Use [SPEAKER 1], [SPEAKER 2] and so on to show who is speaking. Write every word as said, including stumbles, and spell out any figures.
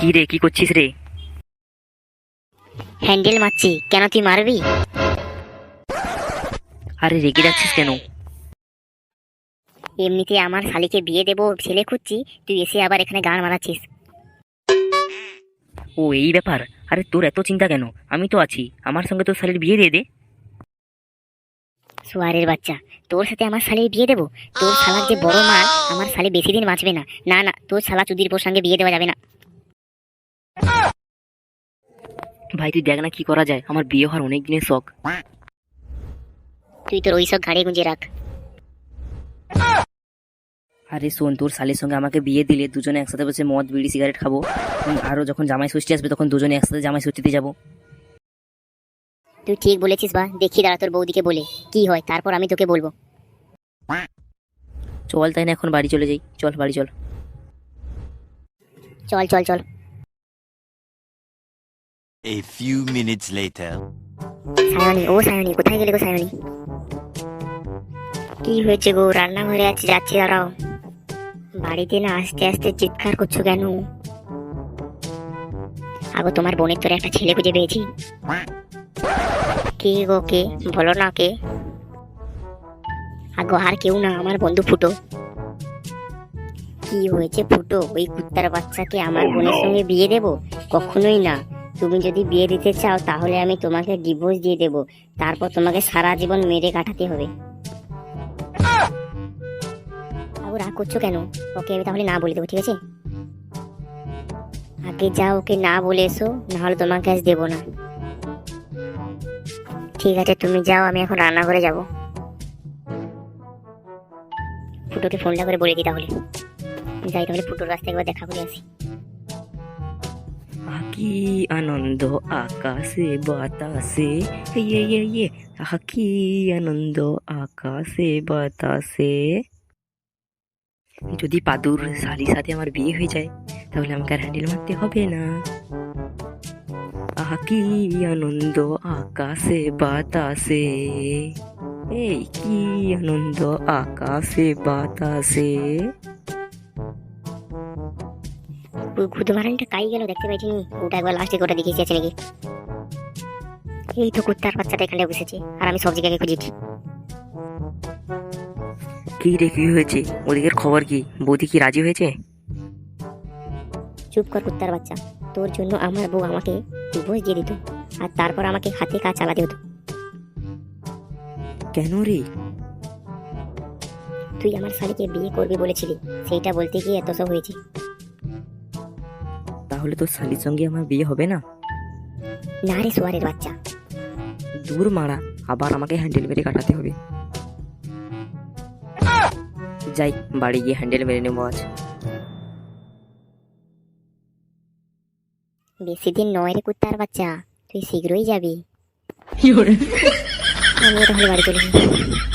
[SPEAKER 1] কি রে, কি করছিস রে?
[SPEAKER 2] হ্যান্ডেল মারছি। কেন, তুই মারবি?
[SPEAKER 1] আরে রেগে যাচ্ছিস কেন?
[SPEAKER 2] এমনিতে আমার শালিকে বিয়ে দেবো ছেলে খুঁজছি, তুই এসে আবার এখানে গান মারাচ্ছিস।
[SPEAKER 1] ও এই ব্যাপার। আরে তোর এত চিন্তা কেন? আমি তো আছি, আমার সঙ্গে তোর শালির বিয়ে দিয়ে দে।
[SPEAKER 2] সোয়ারের বাচ্চা, তোর সাথে আমার শালির বিয়ে দেবো? তোর শালার যে বড় মাল, আমার শালি বেশি দিন বাঁচবে না। না না, তোর শালা চুদির বোর সঙ্গে বিয়ে দেওয়া যাবে না।
[SPEAKER 1] ভাই তুই দেখ না কি করা যায়, আমার বিয়ে হওয়ার অনেক দিনের শখ।
[SPEAKER 2] তুই তোর ওই সব ঘাড়ে গুঁজে রাখ।
[SPEAKER 1] আরে শোন, তোর শালির সঙ্গে আমাকে বিয়ে দিলে দুজনে একসাথে বসে মদ বিড়ি সিগারেট খাবো। উম, আরো যখন জামাই ষষ্ঠী আসবে তখন দুজনে একসাথে জামাই ষষ্ঠীতে যাবো।
[SPEAKER 2] তুই ঠিক বলেছিস বা, দেখি দাঁড়া তোর বৌদিকে বলে কি হয়, তারপর আমি তোকে বলবো।
[SPEAKER 1] চল তাই না এখন বাড়ি চলে যাই, চল বাড়ি চল।
[SPEAKER 2] চল চল চল।
[SPEAKER 3] A few minutes later.
[SPEAKER 2] Sayani, ও সায়নী, কোথায় গেলে গো সায়নী? কি হয়েছে গো? রান্নাঘরে আছে, যাচ্ছি দাঁড়াও। বাড়িতে না আস্তে আস্তে চিৎকার করছো কেন? আগো তোমার বোনের তোরে একটা ছেলে খুঁজে পেয়েছি। কে গো, কে? বলো না কে। আগো আর কেউ না, আমার বন্ধু ফুটো। কি হয়েছে ফুটো? ওই কুত্তার বাচ্চাকে আমার বোনের সঙ্গে বিয়ে দেব? কখনোই না। তুমি যদি বিয়ে দিতে চাও তাহলে আমি তোমাকে ডিভোর্স দিয়ে দেব, তারপর তোমাকে সারা জীবন মেরে কাটাতে হবে। আগো রাগ করছো কেন? ওকে আমি তাহলে না বলে দেবো, ঠিক আছে? আগে যাও, ওকে না বলে এসো, নাহলে তোমাকে আজ দেবো না। ঠিক আছে তুমি যাও, আমি এখন রান্নাঘরে যাব। ফুটোকে ফোনটা করে বলে দিই তাহলে। যাই তাহলে ফুটোর কাছ থেকে একবার দেখা করে আসি।
[SPEAKER 1] কি আনন্দ আকাশে বাতাসে, ইয়ে ইয়ে ইয়ে, আহা কি আনন্দ আকাশে বাতাসে। যদি পাদুর শালির সাথে আমার বিয়ে হয়ে যায় তাহলে আমাকে আর হ্যান্ডেল মারতে হবে না। আহা কি আনন্দ আকাশে বাতাসে, এই কি আনন্দ আকাশে বাতাসে।
[SPEAKER 2] খুদে মারানটা কাই গেল দেখতে পাইছি নি, ওটা একবার লাস্টে ওটা দেখিয়েছি আছে নাকি। এই তো কুত্তার বাচ্চাটা এখানে বসেছে আর আমি সব জায়গায় খুঁজেছি।
[SPEAKER 1] কি রে, কি হয়েছে? ওদিকের খবর কি? বৌদি কি রাজি হয়েছে?
[SPEAKER 2] চুপ কর কুত্তার বাচ্চা, তোর জন্য আমার বউ আমাকে ডিভোর্স দিয়ে দিত, আর তারপর আমাকে হাতে কাজ চালাতে হতো।
[SPEAKER 1] কেন রে?
[SPEAKER 2] তুই আমার শালীকে বিয়ে করবি বলেছিলি, সেইটা বলতে গিয়ে এত সব হয়েছে।
[SPEAKER 1] তাহলে তোর শালির সঙ্গে আমার বিয়ে হবে না?
[SPEAKER 2] না রে সোয়ারের বাচ্চা।
[SPEAKER 1] দূর মারা, আবার আমাকে হ্যান্ডেল মেরে কাটাতে হবে। যাই বাড়ি গিয়ে হ্যান্ডেল মেরে নেবো আজ।
[SPEAKER 2] বেশি দিন নয় রে কুত্তার বাচ্চা, তুই শীঘ্রই যাবি। আমি তাহলে বাড়ি চলে যাই।